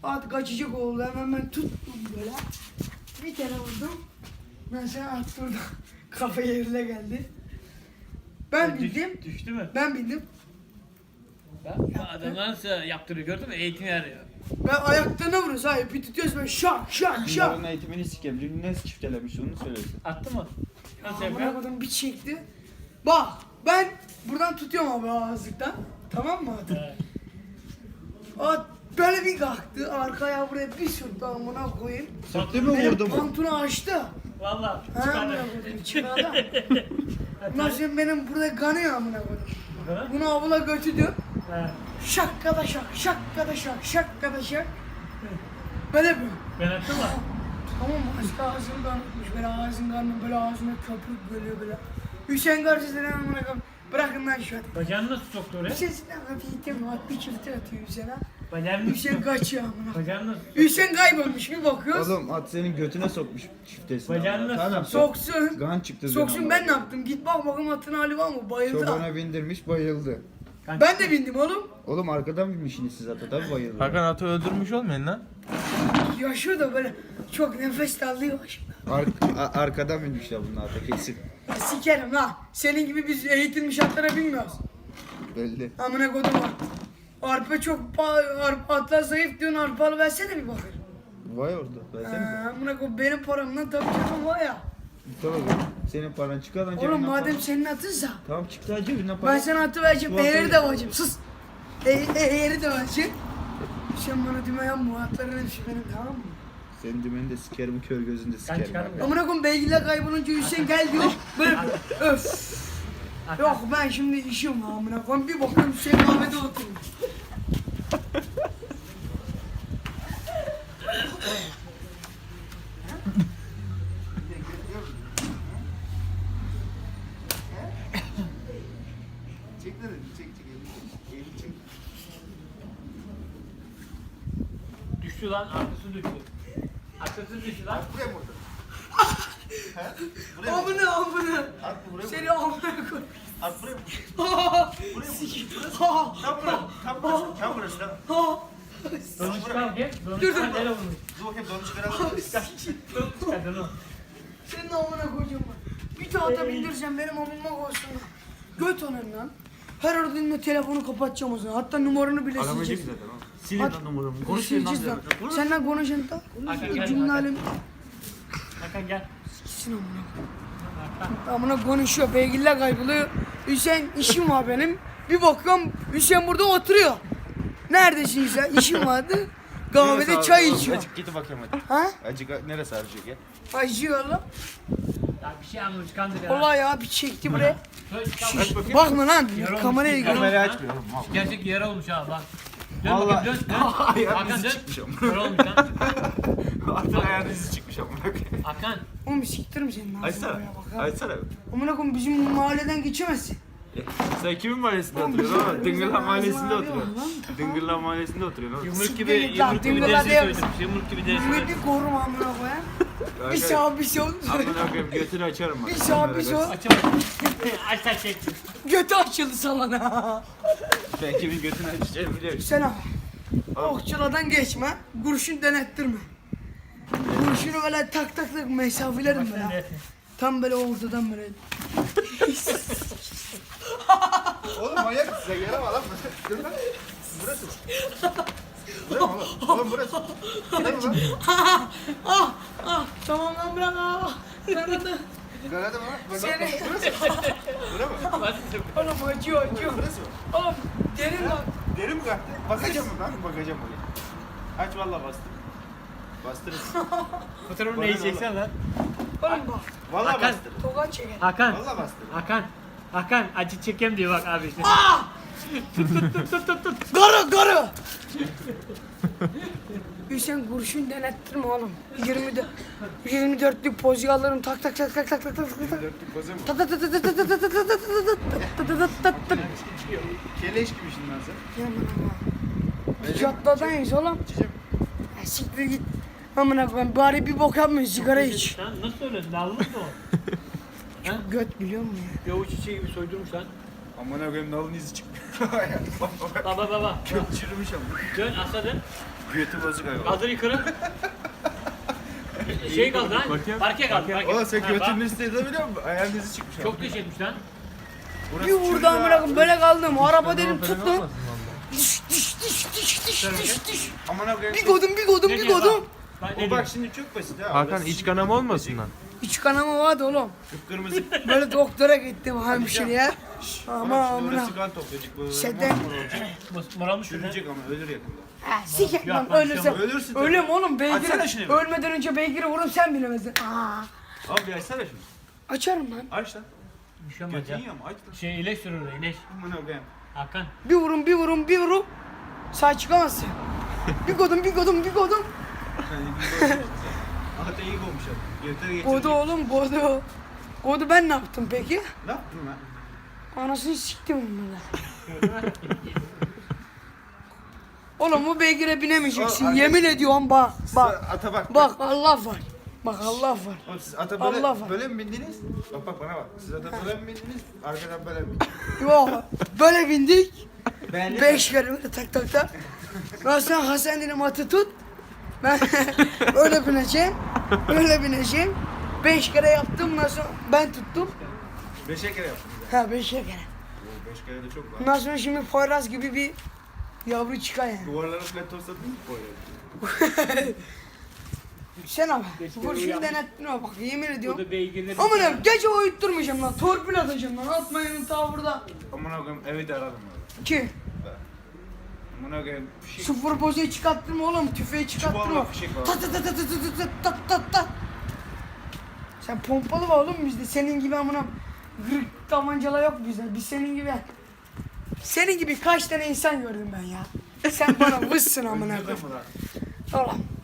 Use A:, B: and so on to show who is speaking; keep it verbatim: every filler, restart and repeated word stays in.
A: At kaçacak oldu. Hemen ben tuttum böyle. Bir kere vurdum. Mesela at durdu. Kafa yerine geldi. Ben bindim.
B: Düş, düştü mü?
A: Ben bindim.
B: Ben adamlar nasıl yaptırıyor gördün mü? Eğitim yarıyor.
A: Ben ayaklarına vuruyoruz abi. Bir tutuyoruz böyle şak şak şak.
C: Bunların eğitimini sikeyim. Dün ne çiftelemiş onu söylesin.
B: Attı mı? Nasıl
A: Amına
B: yapıyor?
A: koydum bir çekti. Bak ben buradan tutuyorum abi ağızlıktan. Tamam mı atı?
B: Evet.
A: At böyle bir kalktı. Arkaya buraya bir sürttü amına koyayım.
C: Sırtı mı
A: Benim
C: vurdu mu?
A: pantunu açtı.
B: Valla
A: Ha amına
B: çıkardı.
A: koydum çıkardı. Bundan sonra benim burada kanıyor amına koydum. Bunu avula götürdüm.
B: He.
A: Şakkada şak, şakkada şak, şakkada şak. Böyle yapıyor.
B: Ben attım mı?
A: Tamam mı? Aşkı ağzını kanatmış. Böyle ağzını kanatmış. Böyle ağzına köpük geliyor böyle. Hüseyin karşısına amına koyayım. Bırakın lan şu an.
B: Bacağını nasıl soktu oraya?
A: Hüseyin'den hafiften at bir çifte atıyor Hüseyin'e.
B: Bacağını nasıl
A: Hüseyin kaçıyor amına.
B: Bacağını nasıl
A: Hüseyin kaybolmuş bir bakıyoruz.
C: Oğlum at senin götüne sokmuş çiftesine.
B: Bacağını nasıl
C: Tamam,
A: Soksun.
C: Gan çıktı.
A: Soksun ben ne yaptım? Git bak bakayım atın hali var mı? Bayıldı.
C: Çobana bindirmiş bayıldı.
A: Ben de bindim oğlum.
C: Oğlum arkadan binmişsiniz siz ata tabi bayıldı.
D: Hakan atı öldürmüş olmayın lan.
A: Yaşıyor da böyle çok nefes darlıyor şimdi.
C: Ar a- arkadan binmişler bunlar ata kesin.
A: Ya sikerim ha. Senin gibi biz eğitilmiş atlara binmiyoruz.
C: Belli.
A: Amına kodum var. Arpa çok pa- arpa atlar zayıf diyorsun arpalı versene bir bakayım.
C: Vay orada. Versene.
A: Ha, amına kodum benim paramdan tabii canım var ya.
C: Tamam oğlum. Senin paran çıkar lan
A: Oğlum
C: cebinden
A: madem
C: para.
A: senin atınsa
C: Tamam çıktı cebinden para.
A: ben sana atı vereceğim.
C: Şu atı-
A: Eğeri de vereceğim. Sus. E e eğeri de vereceğim. Sen bana düme yan bu atların hepsi benim tamam mı?
C: Senin dümeni de sikerim kör gözünü de sikerim.
B: çıkarım
C: bak.
B: ya.
A: Amına koyayım beygirler kaybolunca Hüseyin gel diyor. Böyle öf. Yok ben şimdi işim var amına koyayım. Bir bakıyorum Hüseyin kahvede oturuyor.
C: Çek lan elini, çek çek elini. Elini çek.
B: düştü lan arkası düştü. Arkası düştü lan.
C: Buraya mı vurdun?
A: Amına amına.
C: At buraya
A: Seni amına koy.
C: At buraya mı?
A: Ha. Ha.
C: Tam burası. Tam burası. Tam burası. Tam.
A: Ha.
B: Donu çıkar gel. Donu
A: Dur,
B: çıkar
A: dur.
B: nereye vurmuş?
C: Dur bakayım donu çıkaralım.
B: Donu çıkar donu.
A: Senin amına koyacağım ben. Bir tahta bindireceğim benim amıma koysun. Göt onun lan. Her aradığında telefonu kapatacağım o zaman. Hatta numaranı bile sileceğim.
C: zaten oğlum.
D: Silin lan numaramı.
A: Konuşacağız lan. Senden konuşan da.
B: Hakan gel,
A: Cümle
B: Hakan.
A: alemi.
B: Hakan gel.
A: Siksin amına. Amına konuşuyor. Beygirler kayboluyor. Hüseyin işim var benim. Bir bakıyorum Hüseyin burada oturuyor. Neredesin Hüseyin? İşim vardı. Kahvede çay içiyor.
C: Acık git bakayım hadi.
A: Ha?
C: Acık neresi harcıyor gel.
A: Acıyor lan.
B: Ya bir şey anlamış kandır ya.
A: Vallahi ya bir çekti buraya.
B: Şöyle çıkar.
C: Aç bakayım.
A: Bakma lan.
B: Yaralı
A: Kameraya
B: olmuş.
A: gör.
C: Kamerayı açmıyor oğlum. mal.
B: Gerçek yara olmuş ha bak. Dön
C: Vallahi-
B: bakayım dön dön.
C: Ayağın
B: Hakan
C: izi
B: dön.
C: çıkmış ama.
B: Yara olmuş lan.
C: Atın ayağının izi çıkmış ama.
B: Hakan.
A: Oğlum siktirim senin ağzını
C: Açsana.
A: buraya bak ha.
C: Açsana.
A: Amına koyayım bizim mahalleden geçemezsin.
C: Sen kimin mahallesinde
A: Oğlum,
C: oturuyorsun
A: bizim-
C: oğlum?
A: bizim
C: Dıngırlan
A: ağzına
C: mahallesinde
A: ağrıyor
C: oturuyorsun.
A: lan.
C: Dıngırlan mahallesinde oturuyorsun oğlum.
B: Yumruk
A: Siktir
B: gibi
A: git lan,
B: yumruk gibi
A: dıngırla
B: dersi
A: diyemez.
B: söylemiş. Yumruk gibi dersi
A: Beni
B: söylemiş.
A: bir korum amına koyayım. Bir
C: Arkadaş,
A: sağ bir sol.
C: amına koyayım götünü açarım bak.
A: Bir sağ bir sol.
B: Açamadım. Aç sen çek.
A: Götü açıldı salana.
C: Ben kimin götünü açacağımı biliyorum.
A: Sen abi. Okçuladan geçme. Kurşun denettirme. Kurşunu böyle tak tak tak mesafelerim böyle. Tam böyle ortadan böyle.
C: Oğlum manyak mısın sen? Yere lan. Dur lan. Burası. Burası mı oğlum? Oğlum burası. Burası mı?
A: Ah ah tamam lan bırak ah. Bırak lan.
C: Garada mı? Burası mı?
A: Seni.
C: Burası mı?
A: Oğlum acıyor acıyor.
C: Burası mı?
A: Oğlum derin lan.
C: Deri mi kalktı? Bakacağım mı ben? Bakacağım oraya. Aç valla bastır. Bastırırsın.
B: Fotoğrafını neyi çeksen lan.
A: Oğlum bak.
C: Valla
B: Hakan.
C: bastır.
A: Tokat çeker.
B: Hakan.
C: Valla bastır.
B: Hakan. Hakan acı çekem diyor bak abi.
A: Garı garı. Hüseyin kurşun denettirme oğlum. yirmi dört yirmi dörtlük pozu alırım tak tak tak tak tak tak tak tak tak.
C: Dörtlük kozu mu?
A: Ta ta ta ta ta ta ta ta ta ta ta ta ta ta ta ta.
C: Keleş gibi şimdi lan sen.
A: Yaman ama. Caddadayız oğlum.
C: İçeceğim.
A: Ya siktir git. Amına koyayım bari bir bok yapma sigara iç.
B: Sen nasıl öyle? Nallık mı o? Ha?
A: Göt biliyor musun ya?
B: Yavuz çiçeği gibi soydurmuş lan.
C: Amına koyayım nalın izi çıkmış.
B: Baba baba.
C: Kök çürümüş ama.
B: Dön asa dön.
C: Götü bozuk galiba.
B: Kaldır yukarı. Şey kaldı lan.
D: Bakayım.
B: Parke kaldı. Parke.
C: Oğlum sen
B: Ha,
C: götünün
B: bak.
C: üstünde biliyor musun? Ayağın izi çıkmış.
B: Çok geç etmiş lan.
C: Burası
A: Bir vurdu
C: çocuğa-
A: amına koyayım böyle kaldım. Araba
D: Fena
A: dedim
D: fena
A: tut lan.
D: olmasın vallahi.
A: Diş diş diş diş diş diş diş.
C: Amına koyayım.
A: Bir godum bir godum
B: Ne
A: bir
B: diyor
A: godum.
B: bak? Bak ne
C: O
B: diyor?
C: bak şimdi çok basit ha.
D: Hakan
C: Orası
D: iç kanama olmasın lan.
A: İç kanama vardı oğlum.
C: Kıpkırmızı.
A: Böyle doktora gittim hemşireye. Ama
C: Ama şimdi
A: amına.
C: orası kan toplayacak. Böyle
A: Şeyden-
C: mor mor olacak.
B: Mos- Moralmış şurada.
C: Çürüyecek ama ölür yakında.
A: Ha, sikek
B: Ya,
A: lan
B: bak,
A: ölürsem.
C: ölürsün tabii.
A: Ölüm oğlum
C: Açsana
A: beygiri.
C: şunu bir.
A: Ölmeden önce beygiri vururum sen bilemezsin. Aa.
C: Abi bir açsana şunu.
A: Açarım lan.
C: Aç lan.
B: Bir şey olmaz
C: Götün
B: ya.
C: yiyor mu? Aç lan.
B: Şey ileş sürür oraya ileş.
C: Amına koyayım.
B: Hakan.
A: Bir vurum bir vurum bir vurum. Sağ çıkamazsın. Bir godum bir godum bir godum.
C: Hatta iyi olmuş abi. Götü geçirdik.
A: Godu oğlum godu. Godu ben ne yaptım peki?
C: Ne yaptın lan?
A: Anasını siktim bunları. Oğlum bu beygire binemeyeceksin.
C: O, anne-
A: Yemin ediyorum bak. Bak.
C: Ata bak.
A: Bak Allah var. Bak Allah var.
C: Oğlum siz ata böyle,
A: Allah var.
C: böyle mi bindiniz? Bak bak bana bak. Siz ata böyle mi bindiniz? Arkadan böyle mi bindiniz?
A: Yok. Böyle bindik.
C: Beğendin mi?
A: Beş kere böyle tak tak tak. Ben sen Hasan dedim atı tut. Ben öyle bineceğim. Öyle bineceğim. Beş kere yaptım. Ondan sonra ben tuttum.
C: Beşe kere yaptınız.
A: Ha beş kere.
C: Oo, beş kere de çok var.
A: Ondan sonra şimdi Poyraz gibi bir yavru çıkar yani.
C: Duvarlara falan tosladın mı koyuyor?
A: Sen ama. Vur şimdi denettin ama bak yemin ediyorum.
B: Burada beygirleri.
A: Aman abi gece uyutturmayacağım lan. Torpil atacağım lan. Atmayın ta burada.
C: Amına koyayım evi de aradım abi.
A: Ki
C: Amına koyayım fişek.
A: sıfır bozuyu çıkarttırma oğlum. Tüfeği çıkarttırma.
C: Çubuğumla fişek var.
A: Tat tat tat tat tat tat tat tat tat. Sen pompalı var oğlum bizde. Senin gibi amına gırk tabancalar yok bizde. Biz senin gibi. Senin gibi kaç tane insan gördüm ben ya. Sen bana vızsın amına koyayım.
C: Öldürdün mü lan?
A: Oğlum.